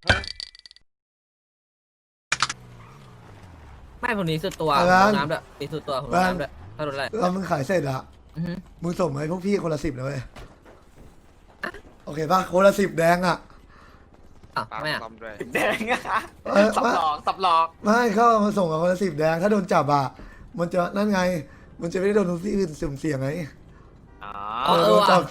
ไม่ผมหนีสุดตัวอะไรผมนะลงน้ำด้วยหนีสุดตัวผมลงน้ำด้วยถ้าโดนอะไรเรามึงขายเสร็จอะอือฮึมึงส่งมาให้พวกพี่คนละ10นะเว้ยโอเคป่ะคนละ10แดงอะอ่ะไม่อ่ะซ่อมด้วยแดงอะ สับไม่หลอกสับหลอกไม่เข้ามาส่งกับคนละ10แดงถ้าโดนจับอะมันจะนั่นไง มันจะไม่ได้โดนทุกที่อื่นสุ่มเสี่ยงไงอ๋อโดนจับ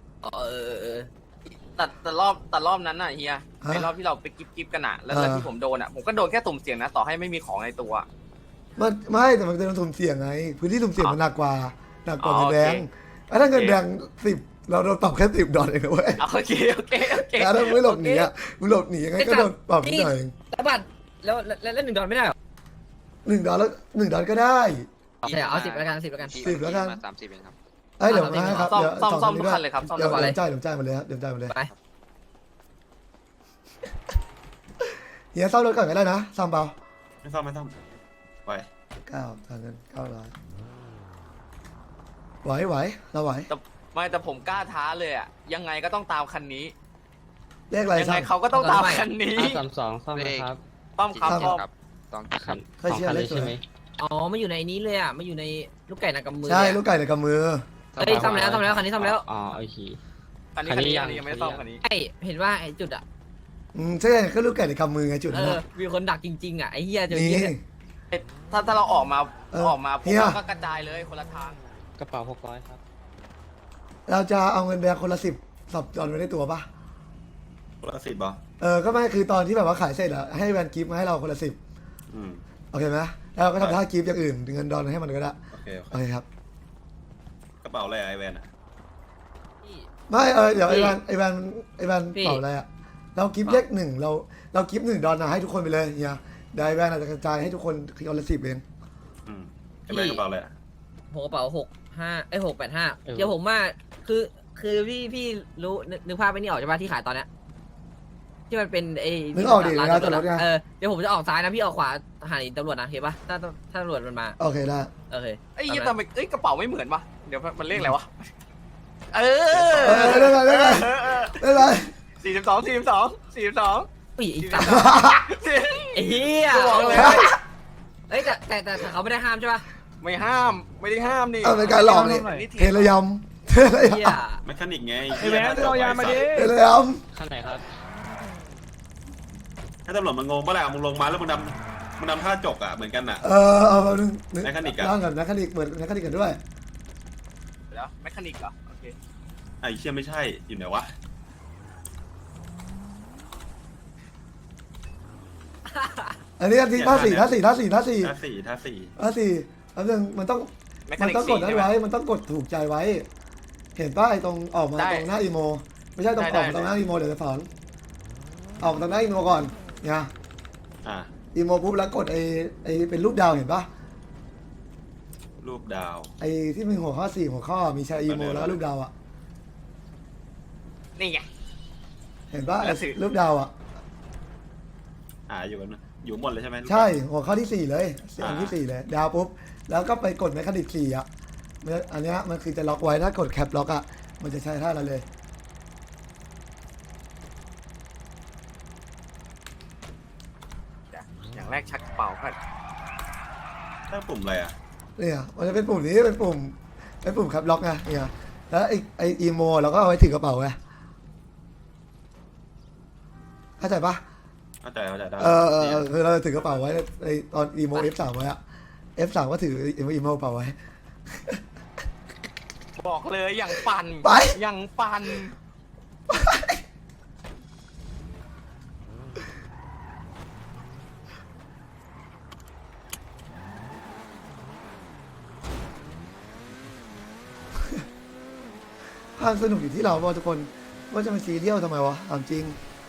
แต่รอบนั้นน่ะเฮียไอ้รอบที่เราไปกิ๊บกันอะแล้วที่ผมโดนอะผมก็โดนแค่ตุ่มเสียงนะต่อให้ไม่มีของในตัว 10ไม่แต่มันจะโดนสุ่มเสี่ยงไง พื้นที่สุ่มเสี่ยงมันหนักกว่าเงิอ๋นอแดงโอเคถ้าเงินแดง10เราโดนปรับแค่$10เองนะเว้ยโอเคแต่ถ้ามึงไม่หลบหนีอะมึงหลบหนียังไงก็โดนปรับนิดหน่อยเองแล้วบัตรแล้ว1 ดอลไม่ได้เหรอ $1แล้ว$1ก็ได้ใช่เอา10แล้วกัน10แล้วกัน 10แล้วกันมา30เองครับเอ้ยเดี๋ยวมาให้ครับซ่อมเดี๋ยวซ่อม 2 ทุกคันเลยครับซ่อมเดี๋ยวทุกคันเลยจ่ายหมดเลยครับเดี๋ยวจ่ายหมดเลยไปเฮียซ่อมรถก่อนก็ได้นะซ่อมเปล่าไม่ซ่อมไป 9ทางเงิน900ไหวเราไหวแต่ผมกล้าท้าเลยอะยังไงก็ต้องตามคันนี้เลขอะไรยังซ่ไงอมเขาก็ต้องตามคันนี้ 532ซ่อมนะครับต้อมครับซ่อมต้อมครับต้องคันให้สองเชื่อคันเลเลขยสวยใช่ไหมอ๋อมาอยู่ในนี้เลยอ่ะมาอยู่ในลูกไก่นากำมือใช่เลยอะลูกไก่ในกำมือเฮ้ยซ่อมแล้วคันนี้ซ่อมแล้วอ๋อโอเคคันนี้คันนี้ยังไม่ได้ซ่อมคันนี้ไอเห็นว่าไอจุดอ่ะใช่ก็ลูกไก่ในกำมือไงจุดนั้นนะมีคนดักจริงๆอ่ะไอเฮียเจอนี่เฮียเนี่ยถ้าเราออกมาเออออกมาพวเฮีกยเราก็กระจายเลยคนละทางกระเป๋า600ครับเราจะเอาเงินแดงคนละ10สับจอนไว้ในตัวปะคนละ10บอก็ไม่คือตอนที่แบบว่าขายเสร็จอะให้แวนกิฟต์มาให้เราคนละ10 อืมโอเคไหมแล้วเราก็ทำท่ากิฟต์อย่างอื่นเงินดอนให้มันก็ได้โอเคโอเคครับกระเป๋าอะไรไอแวนอ่ะไม่เดี๋ยวไอแวนเป่าอะไรอะเรากิฟต์เลข1เรากิฟต์1 ดอลนะให้ทุกคนไปเลยเฮียได้แวนอาจจะกระจายให้ทุกคนคนละ10เองอืมไอแวนกระเป๋าอะไรอ่ะผมกระเป๋า685เดี๋ยวผมว่าคือพี่รู้นึกภาพไปนี่ออกใช่ปะที่ขายตอนเนี้ยที่มันเป็นไอ้นึกออกดิร้านร้านจจออดดรรถถไงเดี๋ยวผมจะออกซ้ายนะพี่ออกขวาหาตำรวจนะเห็นปะถ้าตำรวจมันมาโอเคได้โอเคเอ้ยทำไมกระเป๋าไม่เหมือนวะเดี๋ยวมันเลขอะไรวะได้ไร 42 ปีอีกสามไอ้เฮียบอกเลยเอ้ยแต่เขาไม่ได้ห้ามใช่ปะไม่ห้ามไม่ได้ห้ามนี่เป็นการหลอกนี่เทระยำเทระเฮียยำแมคานิกไงไอแวนเรายามาดิเทระยคันไหนครับให้ตำรวจมันงงปะล่ะมึงลงมาแล้วมึงดำท่าจกอ่ะเหมือนกันอ่ะเอาแป๊บนึงแมคานิกอะร่างกับแมคคานิกเหมือนแมคคานิกกันด้วยเดี๋ยวแมคคานิกเหรอโอเคไอเชี่ยไม่ใช่อยู่ไหนวะอันนี้ที่ท่าสี่แป๊บนึงท่ามันต้องแมคคานิกกดนั้นไว้มันต้องกดถูกใจไว้ เห็นป้ายตรงออกมาตรงหน้าอีโมไม่ใช่ตรงออกมาตรงหน้าอีโมเดี๋ยวจะสอนออกตรงหน้าอีโมก่อนเนี่ยอ่ะอีโมปุ๊บแล้วกดไอเป็นรูปดาวเห็นปะรูปดาวไอที่มีหัวข้อ4หัวข้อมีชายอีโมแล้วรูปดาวอ่ะนี่ไงเห็นปะแล้วสิรูปดาวอ่ะอยู่กันนะอยู่หมดเลยใช่ไหมใช่หัวข้อที่4เลยอันที่4เลยดาวปุ๊บแล้วก็ไปกดแมคคานิก4อ่ะอันเนี้ยมันคือจะล็อกไว้ถ้ากดแคปล็อกอ่ะมันจะใช้ท่าเราเลยอย่างแรกชักกระเป๋าก่อนถ้าปุ่มอะไรอ่ะเนี่ยมันจะเป็นปุ่มนี้เป็นปุ่มแคปล็อกไงเนี่ยแล้วไออีโมเราก็เอาไว้ถือกระเป๋าไงเข้าใจปะเข้าใจได้คือเราถือกระเป๋าไว้ในตอนอีโม F3 ไว้อะ F3 ก็ถืออีโมกระเป๋าไว้บอกเลยอย่างปั่นไปอย่างปั่นความสนุกอยู่ที่เราว่าทุกคนว่าจะมาซีเรียลทำไมวะถามจริง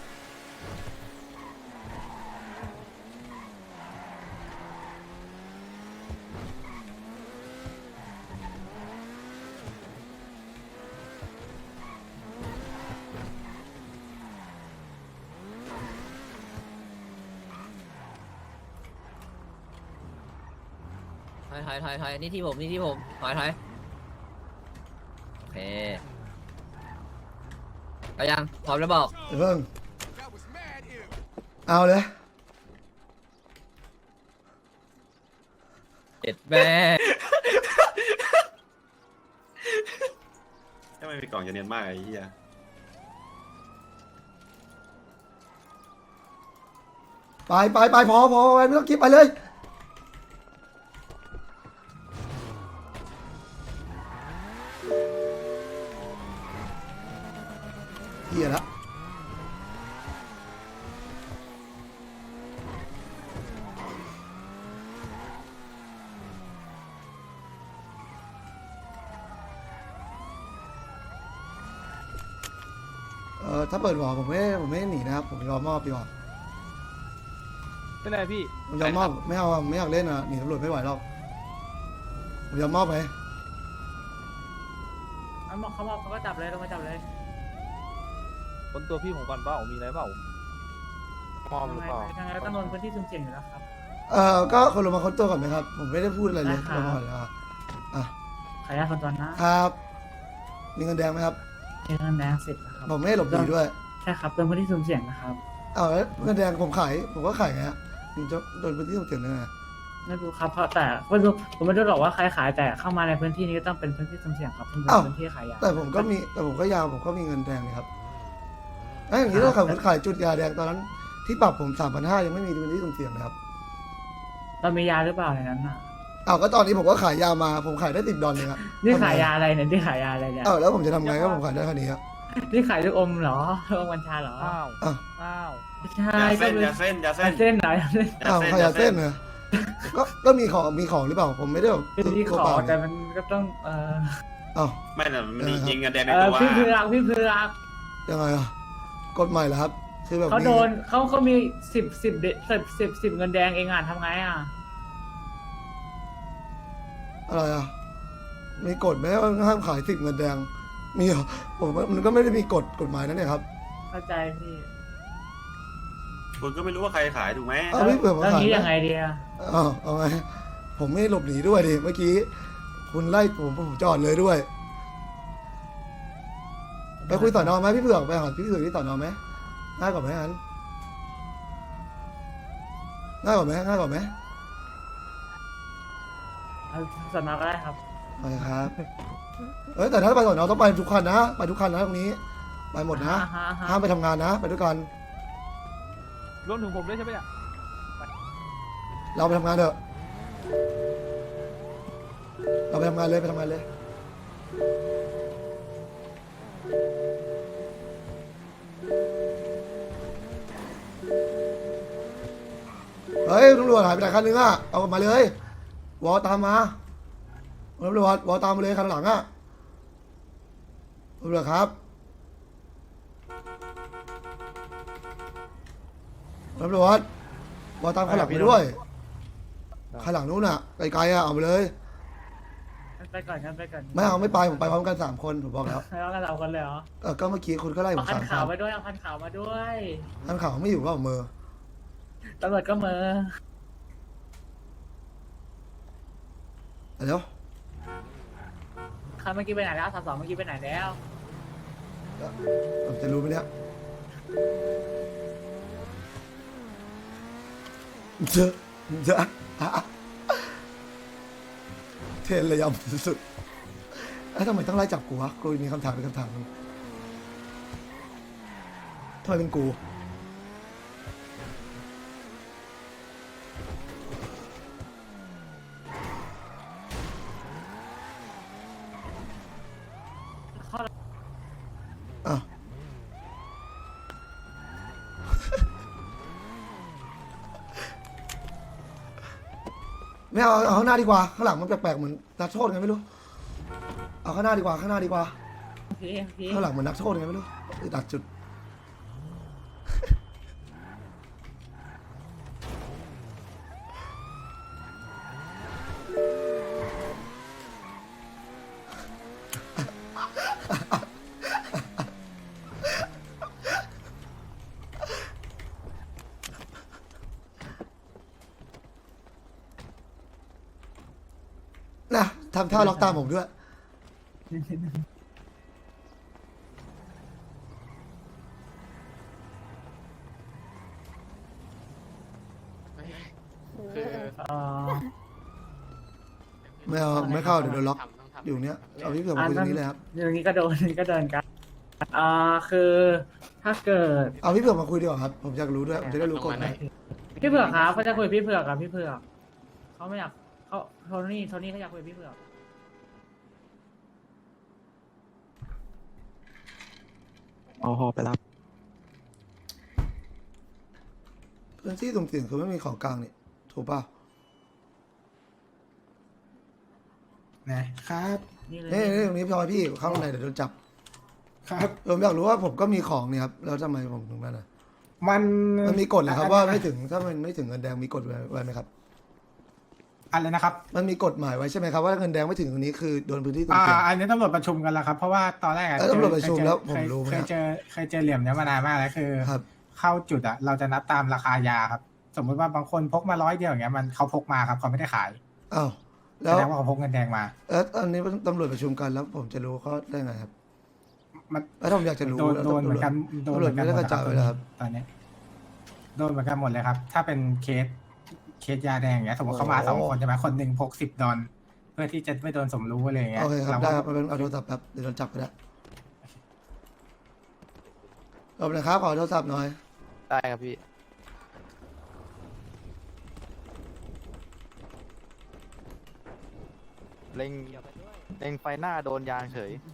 ถอยนี่ที่ผมถอยโอเคเอายังพร้อมแล้วบอกเดี๋ยวเพิ่งเอาเลยเจ็ดแม่ถ้าไม่มีกล่องจะเนียนมากไอ้เหี้ยไปพอไม่ต้องกิฟไปเลยเหี้ยละถ้าเปิดหัวผมไม่หนีนะครับผมยอมมอบดีกว่าเป็นไรพี่ผมยอมมอบไม่เอาไม่อยากเล่นอ่ะหนีตำรวจไม่ไหวหรอกผมยอมมอบไหมเขาก็จับเลยลงมาจับเลยคนตัวพี่ผมก่อนเปล่ามีอะไรเปล่ามอมหรือเปล่ายังไงก็ต้องโดนพื้นที่สุ่มเสี่ยงอยู่แล้วครับก็คนลงมาค้นตัวก่อนไหมครับผมไม่ได้พูดอะไรเลยได้ครับลงมาก่อนเลยอ่ะขออนุญาตคนตอนนะครับมีเงินแดงไหมครับเงินแดง10นะครับผมไม่ให้หลบหนีด้วยใช่ครับโดนพื้นที่สุ่มเสี่ยงนะครับแล้วเงินแดงผมก็ขายไงฮะผมจะโดนพื้นที่สุ่มเสี่ยงได้ไงไม่รู้ครับเพราะแต่ไม่รู้ผมไม่รู้หรอกว่าใครขายแต่เข้ามาในพื้นที่นี้ก็ต้องเป็นพื้นที่สุ่มเสี่ยงครับเป็นพื้นที่ขายยาแต่ผมก็มีเงินแดงเลยครับอย่างนี้ถ้าขับรถขายจุดยาแดงตอนนั้นที่ปรับผม 3,500ยังไม่มีพื้นที่สุ่มเสี่ยงเลยครับเรามียาหรือเปล่าในนั้นน่ะก็ตอนนี้ผมก็ขายยามาผมขายได้$10เลยครับนี่ขายยาอะไรเนี่ยนี่ขายยาอะไรเนี่ยแล้วผมจะทำไงก็ผมขายได้แค่นี้ครับนี่ขายลูกอมเหรอลูกอมกัญชาเหรออ้าวอ้าวอ้าวไม่ใช่ยาก็เส้นเป็นยาเส้นยาเส้นเส้นไหนขายยาเส้นเหรอก็มีของหรือเปล่าผมไม่ได้แบบเป็นที่ขอแต่มันก็ต้องอ้าวไม่น่ะมันมียิงกันแดงในตัวพี่เพือกพี่เพือกยังไงกฎใหม่เหรอครับคือแบบเขาโดนเขามี10เงินแดงเองอ่ะทำไงอ่ะอะไรมีกฎไหมว่าห้ามขาย10เงินแดงมีเหรอผมว่ามันก็ไม่ได้มีกฎหมายนั่นเนี่ยครับเข้าใจพี่คุณก็ไม่รู้ว่าใครขายถูกไหมพี่เผื่อผมแล้วขายนี้ไหมยังไงดีอ่ะเอาไงผมไม่หลบหนีด้วยดิเมื่อกี้คุณไล่ผมจอดเลยด้วยไปคุยสอนอไหมพี่เผือกไปหาพี่เผือกที่สอนอไหมง่ายกว่าไหมอันง่ายกว่าไหมเอาสอนอก็ได้ครับไปครับแต่ถ้าไปสอนอต้องไปทุกคันนะไปทุกคันนะตรงนี้ไปหมดนะห้ามไปทำงานนะไปด้วยกันรวมถึงผมด้วยใช่ไหมเนี่ยเราไปทำงานเถอะเราไปทำงานเลยเฮ้ยตำรวจหายไปไหนคันนึงเอามาเลยวอตามมาตำรวจวอตามมาเลยคันหลังตำรวจครับตำรวจวอตามคันหลังไปด้วยคันหลังนู้นไกลๆเอาไปเลยไปก่อนครับไปก่อนไม่เอาไม่ไปผมไปพร้อมกัน3 คนผมบอกแล้วแล้วกันเราคนเลยเหรอก็เมื่อกี้คุณก็ไล่ผเอามคัน 3 ขาวคันมาด้วยเอาคันขาวมาด้วยคันขาวไม่อยู่ก็เอามือตำรวจก็มือเดี๋ยวคันเมื่อกี้ไปไหนแล้ว32เมื่อกี้ไปไหนแล้วผมจะรู้ไหมเนี่ยเจอเทนระยำสุดๆแล้วทำไมต้องไล่จับกูวะกูมีคำถามเป็นคำถามนึงทำไมเป็นกูอ้าวไม่เอาข้างหน้าดีกว่าข้างหลังมันแปลกๆเหมือนนักโทษไงไม่รู้เอาข้างหน้าดีกว่าข้างหลังเหมือนนักโทษไงไม่รู้ดักจุดนะทำท่าล็อกตามผมด้วยไม่เอาไม่เข้าเดี๋ยวโดนล็อกอยู่เนี้ยเอาพี่เผือกมาคุยตรงนี้เลยครับอย่างนี้ก็โดนอย่างนี้ก็โดนกันคือถ้าเกิดเอาพี่เผือกมาคุยดีกว่าครับผมอยากรู้ด้วยผมจะได้รู้กฎหมายพี่เผือกครับเขาจะคุยกับพี่เผือกกับพี่เผือกเขาไม่อยากเขาโทนี่เขาอยากคุยกับพี่เผือกเอาหอไปรับพื้นที่สุ่มเสี่ยงคือไม่มีของกลางนี่ถูกเปล่านะครับนี่เลยนี่ตรงนี้พี่พลอยพี่เข้าข้างในเดี๋ยวโดนจับครับผมอยากรู้ว่าผมก็มีของนี่ครับแล้วทำไมผมถึงนั่นน่ะมันมันมีกฎเหรอครับว่าไม่ถึงถ้ามันไม่ถึงเงินแดงมีกฎไว้ไหมครับอะไรนะครับมันมีกฎหมายไว้ใช่ไหมครับว่าเงินแดงไม่ถึงตรงนี้คือโดนพื้นที่สุ่มเสี่ยงอันนี้ตำรวจประชุมกันแล้วครับ เพราะว่าตอนแรกอะตำรวจประชุมแล้วผมรู้ไหมเคยเจอเหลี่ยมเนี้ยมานานมากแล้วคือครับเข้าจุดอะเราจะนับตามราคายาครับ สมมติว่าบางคนพกมา100 เดียวอย่างเงี้ยมันเขาพกมาครับเขาไม่ได้ขายอ้าวแสแล้วดงว่าเขาพกเงินแดงมาอันนี้ตำรวจประชุมกันแล้วผมจะรู้เขาได้ไงครับมันแล้วผมอยากจะรู้โดนเหมือนกันโดนเหมือนกันตำรวจไม่ได้กระจายไว้แล้วครับตอนนี้โดนเหมือนกันหมดเลยครับ ถ้าเป็นเคสยาแดงอย่างเงี้ยสมมติเขามา2 คนใช่ไหมคนหนึ่งพก$10เพื่อที่จะไม่โดนสมรู้อะไรอย่างเงี้ยโอเคครับเราได้ก็ครับเอาโทรศัพท์แป๊บเดี๋ยวโดนจับไปแล้วเอาเลยครับขอโทรศัพท์หน่อยได้ครับพี่ เล็งไฟหน้าโดนยางเฉย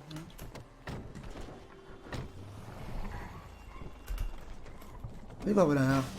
ไม่บอกไปไหนครับ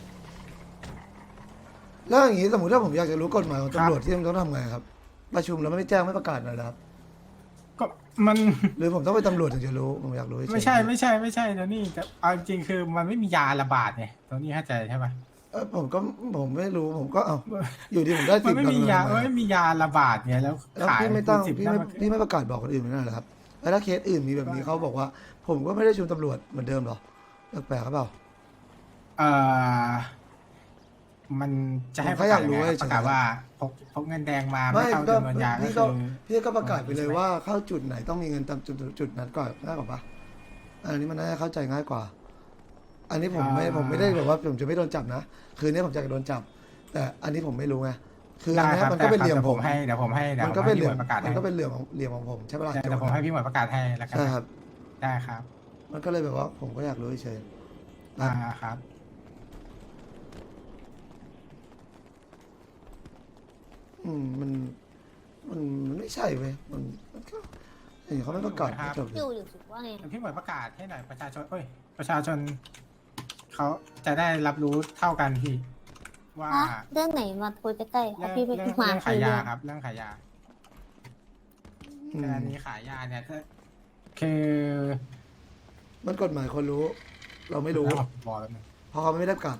แล้วอย่างนี้สมมติถ้าผมอยากจะรู้กฎหมายของตำรวจที่ต้องทำไงครับ ประชุมแล้วไม่แจ้งไม่ประกาศหน่อยเหรอครับก็มันหรือผมต้องไปนตำรวจถึงจะรู้ผมอยากรู้เฉยๆไม่ใช่ตัวนี้แต่เอาจริงๆคือมันไม่มียาระบาดไงตัวนี้เข้าใจใช่ปะผมไม่รู้ผมก็เอาอยู่ดีผมได้มัสินบไม่มียาแล้วไม่มียาระบาดไงแล้วแล้วขายพี่ไม่ตั้งสิบพี่แล้วไม่มันพี่ไม่ประกาศบอกคนอื่นไม่ได้เหรอครับแล้วถ้าเคสอื่นมีแบบนี้เขาบอกว่า ผมก็ไม่ได้ชุมตำรวจเหมือนเดิมหรอแปลกๆครับเปล่าเอ่อมันจะให้ผมแค่อยากรู้ประกาศเฉยๆว่าพกเงินแดงมาไม่ไม่เข้าก็จำนวนยาก็พี่คืก็อพี่ก็ประกาศไปเลยว่าเข้าจุดไหนต้องมีเงินตามจุดนั้นก่อนง่ายกว่าปะอันนี้มันน่าจะเข้าใจง่ายกว่า อันนี้ผมไม่ได้แบบว่าผมจะไม่โดนจับนะคืนนี้ผมจะโดนจับ แต่อันนี้ผมไม่รู้ไงคืออันได้นี้ครับมันก็เป็นเหลี่ยมแต่ผมเดี๋ยวผมให้มันก็เป็นเหลี่ยมประกาศมัให้นก็เป็นเหลี่ยมของผมใช่ปะล่ะเดี๋ยวผมให้พี่หมวยประกาศให้แล้วกันใช่ครับได้ครับมันก็เลยแบบว่าผมก็อยากรู้เฉยๆครับมันไม่ใช่เว้ยมันก็เห็นเขาไม่ประกาศจบเลอย ยู่สุดว่าไงพี่หมวยประกาศให้หน่อยประชาชนเขาจะได้รับรู้เท่ากันพี่ว่าฮะเรื่องไหนมาคุยใกล้ๆเอาพี่ไปเรื่องมาขายเรื่ยาองครับ เรื่องขายยาอืมแต่อันนี้ขายยาเนี่ยคือมันกฎหมายคนรู้ เราไม่รู้บอกแล้วนึงเพราะเขาไม่ได้ประกาศ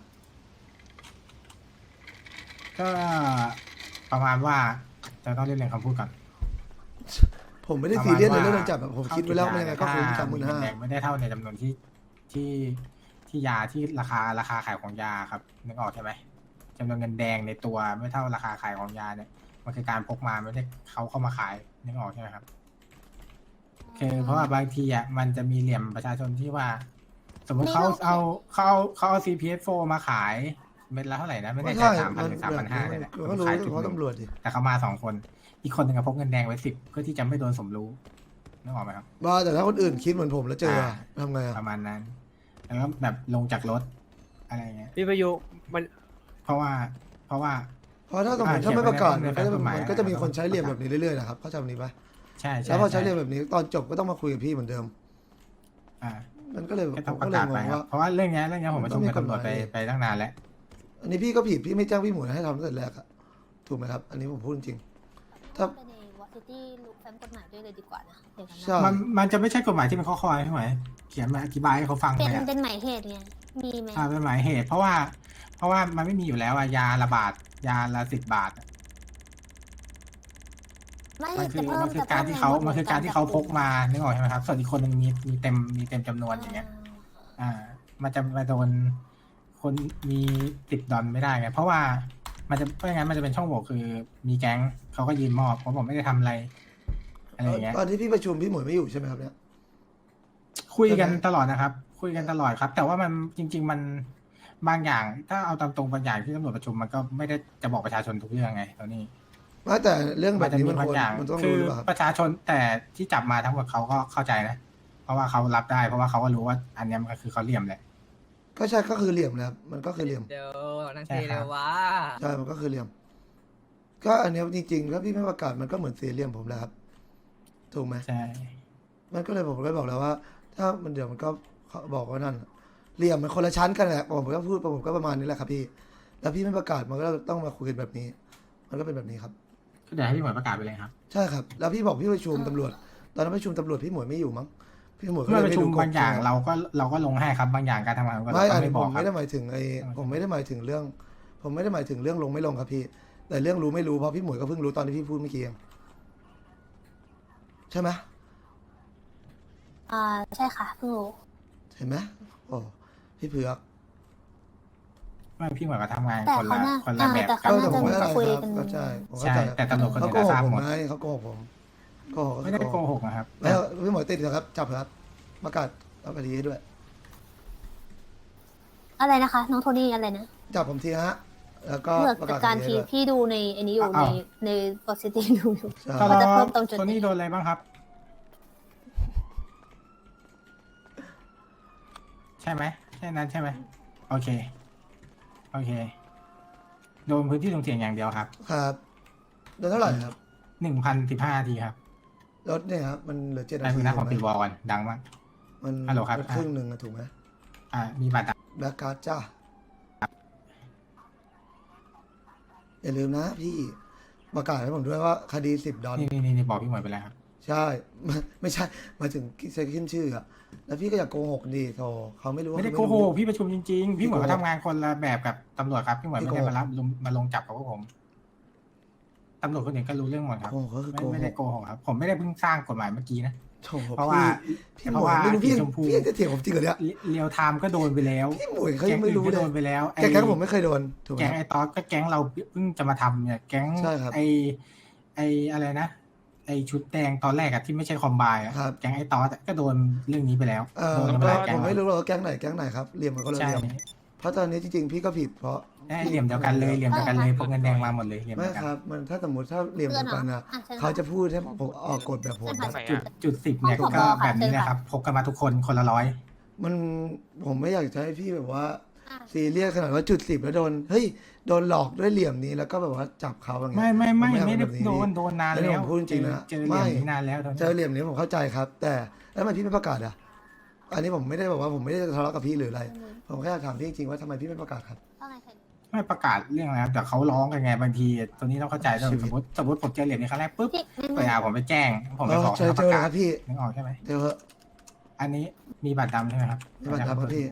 ก็ประมาณว่าจะต้องเรียนคำพูดก่อนผมไม่ได้ซีเรียสในเรื่องการจับอะผมคิดไว้แล้วมันยังไงก็คุ้ม35,000 ไม่ได้เท่าในจำนวนที่ยาที่ราคาขายของยาครับนึกออกใช่ไหมจำนวนเงินแดงในตัวไม่เท่าราคาขายของยาเนี่ยมันคือการพกมาไม่ได้เขาเข้ามาขายนึกออกใช่ไหมครับคือเพราะว่าบางทีอ่ะมันจะมีเหลี่ยมประชาชนที่ว่า สมมติเขาเอา CPF4 มาขายเม็ดละเท่าไหร่นะไม่ได้ใช่ 3,000 หรือ 3,500เนี่ยแหละก็รู้ขายจุดเพราะหนึ่งตำรวจดิแต่เขามา2 คน อีกคนหนึ่งก็พกเงินแดงไว้10เพื่อที่จะไม่โดนสมรู้นึกออกไหมครับบ้าแต่ถ้าคนอื่นคิดเหมือนผมแล้วเจออะทำไงอะประมาณนั้น แล้วก็แบบลงจากรถอะไรเงี้ยพี่ประยุมันเพราะว่าเพราะถ้าสมมติถ้าไม่ประกาศเขีมัยนนก็ไว้จะในกฎหมายมันก็จะมีคนใช้เหลี่ยมแบบนี้เรื่อยๆนะครับเข้าใจแบบนี้ปะใช่แล้วพอใช้เหลี่ยมแบบนี้ตอนจบก็ต้องมาคุยกับพี่เหมือนเดิมอ่ามันก็เลยก็ผต้องมปก็ระเลยกาศงไปงครับว่าเพราะว่าเรื่องนี้ผมประชุมกับตำรวจต้องมีกฎหมายไปตั้งนานแล้วอันนี้พี่ก็ผิดพี่ไม่แจ้งพี่หมูให้ทำตั้งแต่แรกอะถูกไหมครับ อันนี้ผมพูดจริง ถ้าไปในวอซิตี้รู้แฟ้มกฎหมายด้วยเลยดีกว่านะเดี๋ยวกันนะใช่มันจะไม่ใช่กฎหมายที่เป็นข้อใช่ไหมเขียนมาอธิบายให้เขาฟังเป็นเลยอะเป็นหมายเหตุไงมีไหมเป็นหมายเหตุ เพราะว่ามันไม่มีอยู่แล้วอะยาระบาดยาละ10 บาทอะไม่มันคือแต่เพิ่มันคือการที่เขามันคือการที่เขาพกมานึกออกใช่ไหมครับส่วนอีกคนหนึ่งมีเต็มจำนวนอย่างเงี้ย มันจะมาโดนคนมี$10ไม่ได้ไงเพราะว่ามันจะไม่งั้นมันจะเป็นช่องโหว่คือมีแก๊งเขาก็ยืนมอบเพราะผมไม่ได้ทำอะไรอย่างเงี้ยตอนที่พี่ประชุมพี่หมวยไม่อยู่ใช่ไหมครับเนี่ยคุยกันตลอดนะครับ คุยกันตลอดครับ แต่ว่ามันจริง ๆบางอย่างถ้าเอาตามตรงบางอย่างที่ตำรวจประชุมมันก็ไม่ได้จะบอกประชาชนทุกเรื่องไงตอนนี้ว่าแต่เรื่องแบมันบจะนี้มีมันบาคงวรอย่างมันต้องคืรู้อหรือเปล่าครับประชาชนแต่ที่จับมาทั้งหมดเขาก็เข้าใจนะ เพราะว่าเขารับได้เพราะว่าเขาก็รู้ว่าอันเนี้ยมันก็คือเขาเหลี่ยมแหละก็ใช่ก็คือเหลี่ยมนะครับมันก็คือเหลี่ยมเดี๋ยวนั่งใช่เทครัเลบยวะใช่มันก็คือเหลี่ยม ก็อันเนี้ยจริงๆถ้าพี่ไม่ประกาศมันก็เหมือนเสียเหลี่ยมผมแหละครับถูกไหมใช่มันก็เลยผมก็บอกแล้วว่า ถ้ามันเดี๋ยวมันก็บอกว่านั่นเหลี่ยมมันคนละชั้นกันแหละผมก็พูดผมก็ประมาณนี้แหละครับพี่ แล้วพี่ไม่ประกาศมันก็ต้องมาคุยกันแบบนี้ มันก็เป็นแบบนี้ครับก็เดี๋ยวให้พี่หมวยประกาศไปเลยครับใช่ครับ แล้วพี่บอกพี่ประชุมตำรวจ ตอนนั้นประชุมตำรวจพี่หมวยไม่อยู่มั้งพี่หมวยก็เมื่เลอย ประชุมไม่รู้บางอย่างกฎเราก็ลงให้ครับบางอย่างการทำงานของเราไม่ก็อันไม่นี้บผอกมครัไม่บได้หมายถึงผมไม่ได้หมายถึงเรื่อง ผมไม่ได้หมายถึงเรื่องลงไม่ลงครับพี่ แต่เรื่องรู้ไม่รู้เพราะพี่หมวยก็เพิ่งรู้ตอนที่พี่พูดเมื่อกี้เองใช่ไหมใช่ค่ะเพิ่งรู้เห็นไหมโอ้พี่เผือกไม่พี่หมวยก็ทำงานแต่คนเขาละน่าคนละแบบแต่กัเขาบน่าผมไม่จะได้คุยครับกันเข้าใจผมเข้าใช่ใจแต่ตำรวจคนเขาอื่นโกหทกราบผมหมดไหมเขาโกหกผมโกหกก็ไม่ได้คือโกหกนะครับแล้วพี่หมวยติดเหรอครับจับเหรอครับประกาศรับคดีให้ด้วยอะไรนะคะ น้องโทนี่อะไรนะจับผมทีฮะแล้วก็เมื่อประจักาดศการคดีทีให้ด้วยพี่ดูในอันนี้อยู่ในกอซิตี้ดูอยู่ใช่ตอนเขาจะเพิ่มตรงจุดโทนี้นี่โดนอะไรบ้างครับ ใช่ไหมใช่นั้นใช่ไหมโอเคโอเคโดนพื้นที่ส่งเสียงอย่างเดียวครับครับโดนเท่าไหร่ครับ 1,015 นาทีครับรถเนี่ยครับมันเหลือ7 ได้นาทีพื้นหน้าของถูปิกดไหมวอลก่อนดังมากมันฮัลโหลครับมันครึ่งหนึ่งอะถูกไหมมีบัตรดแบ็กการ์ดจ้าอย่าลืมนะพี่ประกาศให้ผมด้วยว่าคดี$10 นี่บอกพี่หมวยไปแล้วครับใช่ ไม่ใช่หมายถึงใช้ขึ้นชื่ออะแล้วพี่ก็อย่าโกหกดีโธ่เขาไม่รู้ว่าไม่ได้เขาโกหรู้กพี่ประชุมจริงๆ พี่หมวยพี่โกหกเขาทำงานคนละแบบกับตำรวจครับ พี่หมวยพี่ไม่โกหกได้มาลงจับกับพวกผมตำรวจคนอื่นก็รู้เรื่องหมดครับโกหกก็คือโกหไม่ได้กโกหกครับ ผมไม่ได้เพิ่งสร้างกฎหมายเมื่อกี้นะโถ่เพราะว่าพี่หเพมราะวยว่าไม่รู้พี่สีชมพูพี่จะเถียงผมจริงเหรอเนี่ยเรียวไทม์ก็โดนไปแล้วพี่หมวยเขายังไม่รู้ก็เลโดยนไปแล้วแก๊งผมไม่เคยโดนถูกไหมแก๊งไอ้ตอสก็แก๊งเราเพิ่งจะมาทำเนี่ยแก๊งใช่ครับไอ้อะไรนะไอ้ชุดแดงตอนแรกอะที่ไม่ใช่คอมไบอะครับแก๊งไอ้ตอสอะก็โดนเรื่องนี้ไปแล้วเออโดนกันไปหลายแก๊ผงมไม่รู้หรอกว่าแก๊งไหนครับเหลี่ยมมันก็เลยใช่เหลี่ยมเพราะตอนนี้จริงๆพี่ก็ผิดเพราะได้เหลี่ยมเดียวกันเลยเหลี่ยมเดียวกันเลยพกเงินแดงมาหมดเลยเหลี่ยมไม่เดียวกันครับ มันถ้าสมมติถ้าเหลี่ยมเพื่อเดีนยวเหรอกันนะชิญเขาจะพูดให้ผมออกกฎแบบผมเชิญค่ะจุด10เนี่ยห้องผก็อค่ะแบบนี้เชิญนะค่ะครับพกกันมาทุกคนคนละร้อยมันผมไม่อยากจะให้พี่แบบว่าอ่ะซีเรียสขนาดว่าจุด10แล้วโดนเฮ้ยโดนหลอกด้วยเหลี่ยมนี้แล้วก็แบบว่าจับเขาอย่างเงี้ยไม่ผไม่อยากได้แบบนี้โดนนานอันนี้แล้วผมพูดจริงๆนะเจอเหลี่ยมไม่นี้นานแล้วตอนเจอเหลี่ยมนี้ผมเข้าใจครับ แต่แล้วทำไมพี่ไม่ประกาศอ่ะอันนี้ผมไม่ได้บอกว่าผมไม่ได้ทะเลาะกับพี่หรืออะไร ผมแค่อยากถามพี่จริงๆว่าทำไมพี่ไม่ประกาศครับว่าไงใครไม่ประกาศเรื่องอะไรครับแต่เขาร้องกันไงบางทีตัวนี้ต้องเข้าใจด้วยชีวิตสมมติผมเจอเหลี่ยมนี้ครั้งแรกปุ๊บพี่นั่นเวลาผมไปแจ้งผมไปบอกเจอให้เจเขาอประเลยกาคศรับพี่นึกออกใช่ไหมเจอเหอะอันนี้มีบัตรดำใช่ไหมครับนี่มันทำครับพี่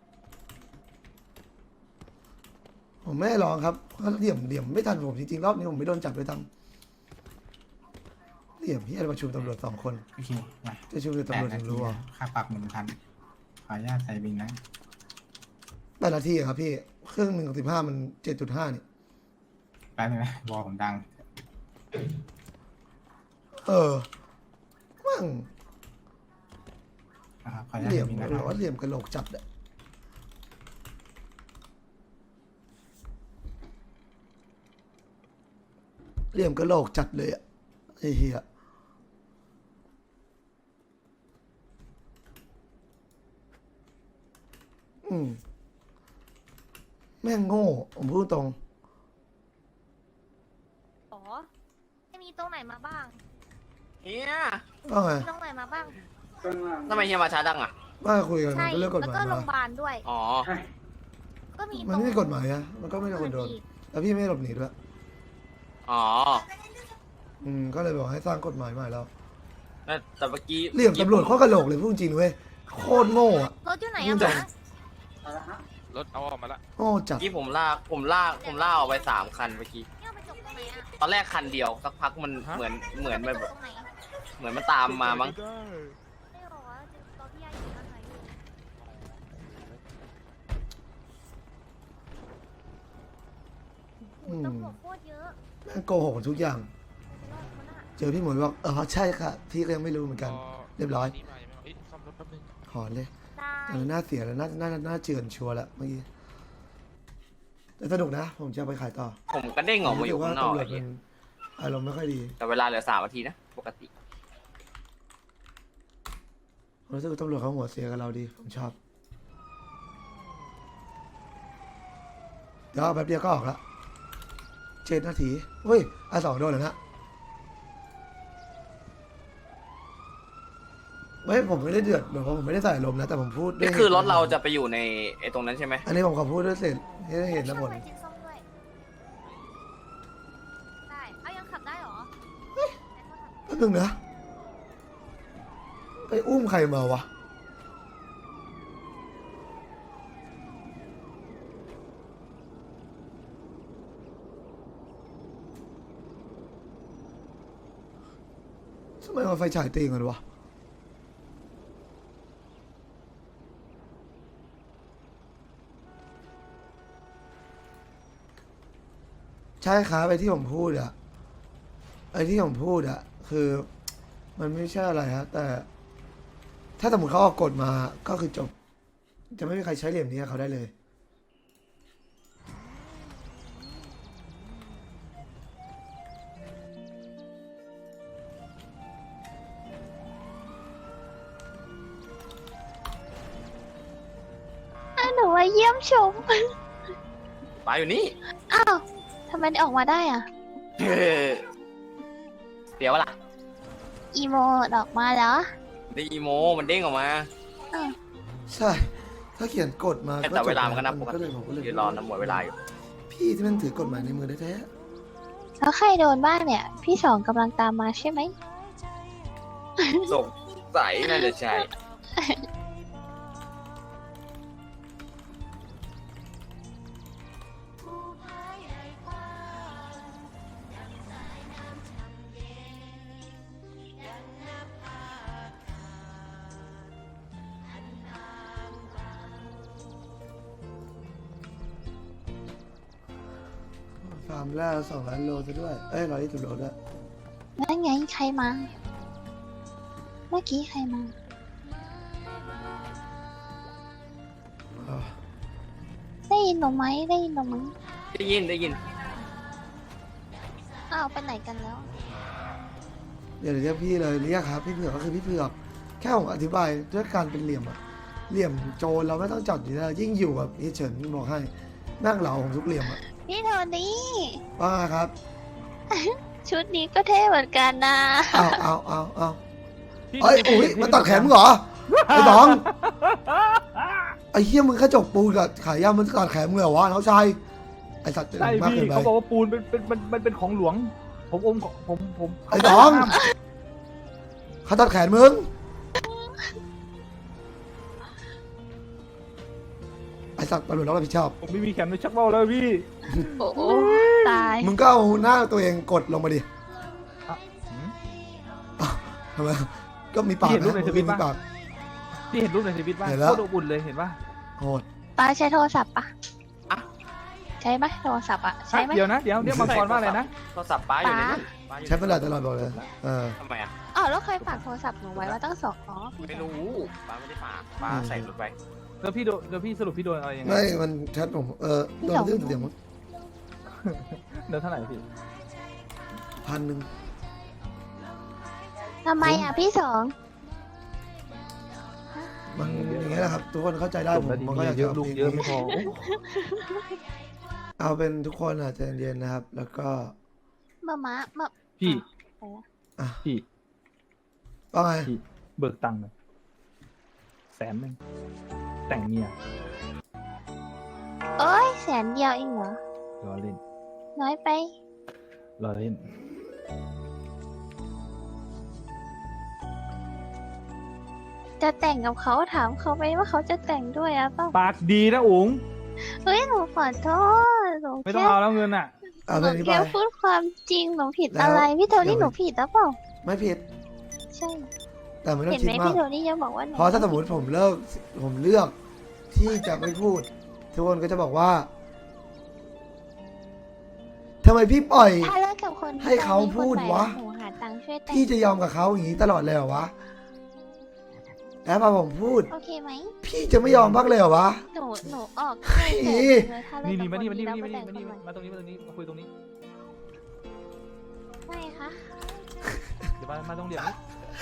ผมไม่ได้ร้องครับก็เหลี่ยมไม่ทันผมจริงๆรอบนี้ผมไม่โดนจับเลยทำเหลี่ยมพี่อะไรประชุมตำรวจ2 คนโอเคมาจะชุมตำรวจถึงรู้อ่ะค่าปรับ1,000ขออนุญาตใส่บินนะ 8 นาทีอะครับพี่เครื่อง1.15มัน7.5นี่แป๊บนึงนะวอลผมดังมั่งนะครับขออนุญาตเหลี่ยมใส่บินนะหรือว่าเหลี่ยมกระโหลกจัดอะเหลี่ยมกระโหลกจัดเลยอะไอ้เหี้ยแม่งโง่ผมพูดตรงอ๋อจะมีตรงไหนมาบ้างเฮียว่าไงมีตรงไหนมาบ้างทำไมเฮียมาช้าดังอ่ะว่าคุยกันมัใช่นก็เรื่องกฎแล้วหมายก็โรงมาพยาบาลด้วยอ๋อก็มีมันไม่มีกฎหมายอะมันก็ไม่ได้คนโดนอีกแล้วพี่ไม่หลบหนีด้วยอ๋อก็เลยบอกให้สร้างกฎหมายใหม่แล้วแต่เมื่อกี้เหลี่ยมตำรวจโคตรกระโหลกเลยพูดจริงเว้ยโคตรโง่อะรถอยู่ไหนยุ่อะงจังคะรถเอาออกมาละโง่จัดเมื่อกี้ผมลากออกไป3 คันเมื่อกี้เนี่ยไปจบตรงไหนอะตอนแรกคันเดียวสักพักมันเหมือนไปแบบจบตรงไหนเหมือนมันตามมามั้งไม่บอกว่าตอนพี่ยายอยู่ข้างในอยู่อืมตำรวจโคตรเยอะแม่งโกหกทุกอย่างรอดมันอะเจอพี่หมวยบอกใช่ค่ะ พี่ก็ยังไม่รู้เหมือนกัน เรียบร้อยนี่มายังไม่เอาเอ้ยซ่อมรถแป๊บนึงหอนเลยได้หน้าเสียแล้วหน้าเจือนชัวร์แล้วเมื่อกี้แต่สนุกนะ ผมจะเอาไปขายต่อผมก็เด้งออกมาอยู่ข้างนอกตำรวไอ้จเหี้มัยนอารมณ์ไม่ค่อยดีแต่เวลาเหลือ3 นาทีนะปกติผมรู้สึกว่าตำรวจเขาหัวเสียกับเราดี ผมชอบ เดี๋ยวแป๊บเดียวก็ออกละ7 นาทีเฮ้ย2โดนแล้วนะไม่ผมไม่ได้เดือดแบบว่าผมไม่ได้ใส่อารมณ์นะ แต่ผมพูดด้วยนี่คือรถเราจะไปอยู่ในไอ้ตรงนั้นใช่ไหมอันนี้ผมขอพูดด้วยเสร็จให้ได้เห็นแล้วผลไปกินส้มด้วยได้เอายังขับได้เหรอแป๊บนึงนะ ไปอุ้มใครมาวะ ทำไมเอาไฟฉายตีกันวะ ใช่ครับไอ้ที่ผมพูดอะไอ้ที่ผมพูดอะคือ มันไม่ใช่อะไรฮะแต่ ถ้าสมมติเขาออกกฎมาก็คือจบ จะไม่มีใครใช้เหลี่ยมนี้กับเขาได้เลยหนูว่าเยี่ยมชมปลาอยู่นี่อ้าวทำไมออกมาได้อ่ะเดี๋ยวล่ะอีโมออกมาเหรอได้อีโมมันเด้งออกมาใช่ ถ้าเขียนกฎมาแต่เวลามันก็นับปกก็เลติยผมก็เลยยืนรอนะหมดเวลาอยู่พี่ที่มันถือกฎหมายในมือแท้แล้วใครโดนบ้างเนี่ย พี่สองกำลังตามมาใช่ไหมสงสัยน่าจะใช่ๆฟาร์มแรก2 ล้านโลซะด้วย เอ้ย120 โลด้วยนั่นไงใครมา เมื่อกี้ใครมาอ่าได้ยินหนูไหมได้ยินหนูไหมได้ยินได้ยินอ้าวไปไหนกันแล้วเดี๋ยวเรียกพี่เลยเรียกครับพี่เผือกก็คือพี่เผือกแค่ผมอธิบายด้วยการเป็นเหลี่ยมอะเหลี่ยมโจรเราไม่ต้องจับอยู่แล้วยิ่งอยู่กับพี่เฉินบอกให้นั่งเหลาของทุกเหลี่ยมอะพี่โทนี่ว่าไงครับชุดนี้ก็เท่เหมือนกันนะเอาเอ้ยอุ้ยมันตัดแขนมึงเหรอไอ้ตองไอ้เหี้ยมึงแค่จกปูนกับขายยามันตัดแขนมึงเหรอวะน้องชายไอ้สัตว์ใช่มากพี่เกินไปเขาบอกว่าปูนมันเป็นของหลวง ผมอมของผมไอ้ตองเขาตัดแขนมึงไอ้สัตว์ตำรวจต้องรับผิดชอบผมไม่มีแขนไม่ชักเบ้าแล้วพี่โอ้โหตายมึงก็เอาหน้าตัวเองกดลงมาดิหืมอ้าวทำไมก็มีปากพี่เห็นรูนะปในทวิตมีปะปากพี่เห็นรูปในทวิตป่ะเห็นแล้วโคตรอบอุ่นเลยเห็นป่ะโหดป้าใช้โทรศัพท์ปะอะใช้ไหมโทรศัพท์อะใช้ไหมเดี๋ยวนะเดี๋ยวมังกรว่าอะไรนะโทรศัพท์ป้าอยู่ในนั้นป้าอยู่ใช้เวลาตลอดบอกเลยทำไมอ่ะอ๋อแล้วเคยฝากโทรศัพท์หนูไว้ว่าต้องส่งอ๋อพี่ไม่รู้ป้าไม่ได้ฝากป้าใส่รถไปแล้วพี่สรุปพี่โดนอะไรยังไงไม่มันแชทผมโดนเรื่องเสียงมั้งโดนเท่าไหร่พี่ 1,000 ทำไมอะพี่สองมันอย่างเงี้ยแหละครับ ทุกคนเข้าใจได้จผบมแล้วดีมันก็อยากเยจะอะลูกเยอะไม่พอโอ้เอาเป็นทุกคนอาจจะเย็นๆนะครับ แล้วก็มาพี่อ่ะพี่ว่าไงพี่เบิกตังค์หน่อย100,000แต่งเมียโอ้ย100,000เองเหรอรอเล่นน้อยไปรอเล่นจะแต่งกับเขาถามเขาไหมว่าเขาจะแต่งด้วยอะเปล่าปากดีนะอุ๋งเฮ้ยหนูขอโทษหนูไม่ต้องแค่เอาแล้วเงินอ่ะเอาหไปนูนี้ไปแค่พูดความจริงหนูผิดแล้วอะไรพี่โทนี่เดี๋ยวหนูผิดแล้วเปล่าไม่ผิดใช่แต่ไม่ต้อเห็งนคิไหดมมากพี่โทนี่ยังบอกว่าหนูเพราะถ้าสมมติผมเลือกที่จะไม่พูด ทุกคนก็จะบอกว่าทำไมพี่ปล่อยถ้าเลิกกับคนที่ให้เขามีคนพูดใหม่วะหนูหาตังค์ช่วยแต่งพี่จะยอมกับเขาอย่างนี้ตลอดเลยเหรอวะแอปพอผมพูดโอเคไหมพี่จะไม่ยอมบ้างเลยเหรอวะหนูออกให้แสนหนึ่งเลยถ้าเลินี่กนี่กับมาคนนี่มานี้นี่แล้วมาไปนี่แต่งมานี่คนใหม่มาตรงนี้มาตรงนี้มาคุยตรงนี้ไม่คะเดี๋ยวมาตรงเหลี่ยมนี้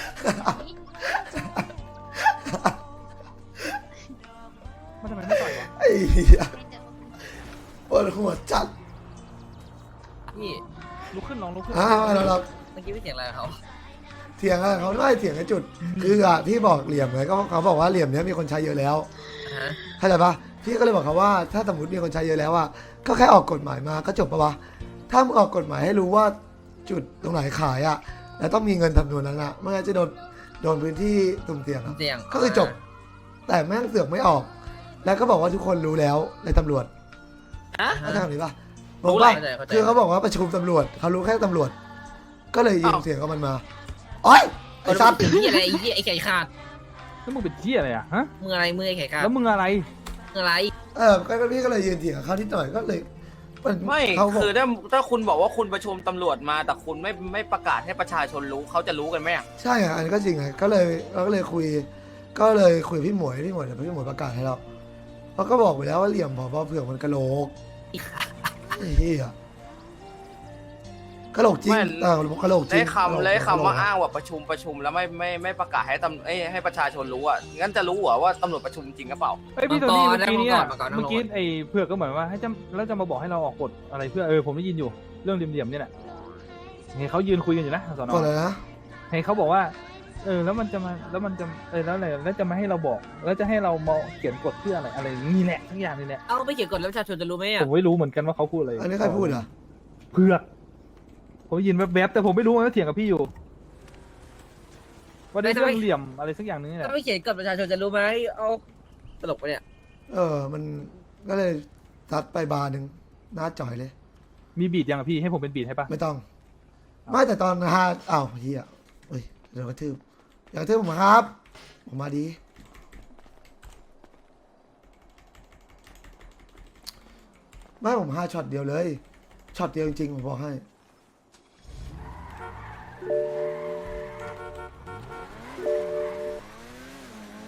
มันทำไมไม่ต่อยวะไอ้เหี้ยไม่เจอปวดหัวจัดพี่ลุกขึ้นลองลุกขึ้นเราเมื่อกี้พี่เสียงอะไรกับเขาเถียงอะไรเขาไม่เถียงในจุด คืออ่ะพี่บอกเหลี่ยมไงก็เขาบอกว่าเหลี่ยมเนี้ยมีคนใช้เยอะแล้วฮะเข้าใจปะพี่ก็เลยบอกเขาว่าถ้าสมมติมีคนใช้เยอะแล้วอ่ะก็แค่ออกกฎหมายมาก็จบปะวะถ้ามึงออกกฎหมายให้รู้ว่าจุดตรงไหนขายอ่ะแล้วต้องมีเงินทำนวนนั้นอ่ะไม่งั้นจะโดนพื้นที่สุ่มเสี่ยงอะเสียงก็คือจบ แต่แม่งเสือกไม่ออก แล้วก็บอกว่าทุกคนรู้แล้วในตำรวจฮะเข้าใจคำนี้ปะรู้รู้อะไรปะคือเขาบอกว่าประชุมตำรวจเขารู้แค่ตำรวจ ก็เลยยิงเสียงกับมันมาโอ๊ยไอ้ซัดพี่อะไรไอ้เหี้ยไอ้ไก่ขาดแล้วมึงเป็นเที่ยอะไรอ่ะฮะมืออะไรมือไอ้ไก่ขาดแล้วมึงอะไรมืออะไรก็พี่ก็เลยยืนเถียงกับเขานิดหน่อยก็เลยมันไม่เขาบอกคือถ้าคุณบอกว่าคุณประชุมตำรวจมา แต่คุณไม่ประกาศให้ประชาชนรู้เขาจะรู้กันไหมอะใช่อ่ะอันนี้ก็จริงไงก็เลยเราก็เลยคุยกับพี่หมวยเดี๋ยวพี่หมวยประกาศให้เราเราก็บอกไปแล้วว่าเหลี่ยมผอเผื่อมันกะโหลกไอ้เหี้ยกะโหลกจริงกะโหลกจริได้งคำว่าอ้างว่าประชุมแล้วไม่ประกาศให้ประชาชนรู้อ่ะงั้นจะรู้เหรอว่าตำรวจประชุมจริงหรือเปล่าเอ้ยพี่โทนี่เมื่อกี้เนี่ยมาก่อนเมื่อกี้ไอ้เผือกก็เหมือนว่าให้แล้วจะมาบอกให้เราออกกฎอะไรเพื่อผมได้ยินอยู่เรื่องเหลี่ยมๆเนี่ยแหละเห็นเขายืนคุยกันอยู่นะสนก่อนเลยนะเห็นเขาบอกว่าแล้วมันจะแล้วอะไรแล้วจะมาให้เราบอกแล้วจะให้เรามาเขียนกฎเพื่ออะไรนี่แหละทั้งอย่างนี่แหละเอาไปเขียนกฎแล้วประชาชนจะรู้ไหมผอ่ะมไม่รู้เหมือนกันว่าเขาพูดอะไรอันนี้ใครพูดอ่ะเผือกผมได้ยินแวบๆแต่ผมไม่รู้ว่าเถียงกับพี่อยู่ว่าได้เรื่องเหลี่ยมอะไรสักอย่างนึงนี่แหละถ้าไม่เขียนกฎประชาชนจะรู้ไหมเอาตลกไปะเนี่ยมันก็เลยซัดไปบาร์หนึ่งหน้าจ่อยเลยมีบีดยังอะพี่ให้ผมเป็นบีดให้ปะไม่ต้อง ไม่แต่ตอนฮาอ้าวเฮียเฮ้ยเดี๋ยวกระทืบอยากกระทืบผมครับ ผมมาดี ไม่ผม5ช็อตเดียวเลยช็อตเดียวจริงๆผมบอกให้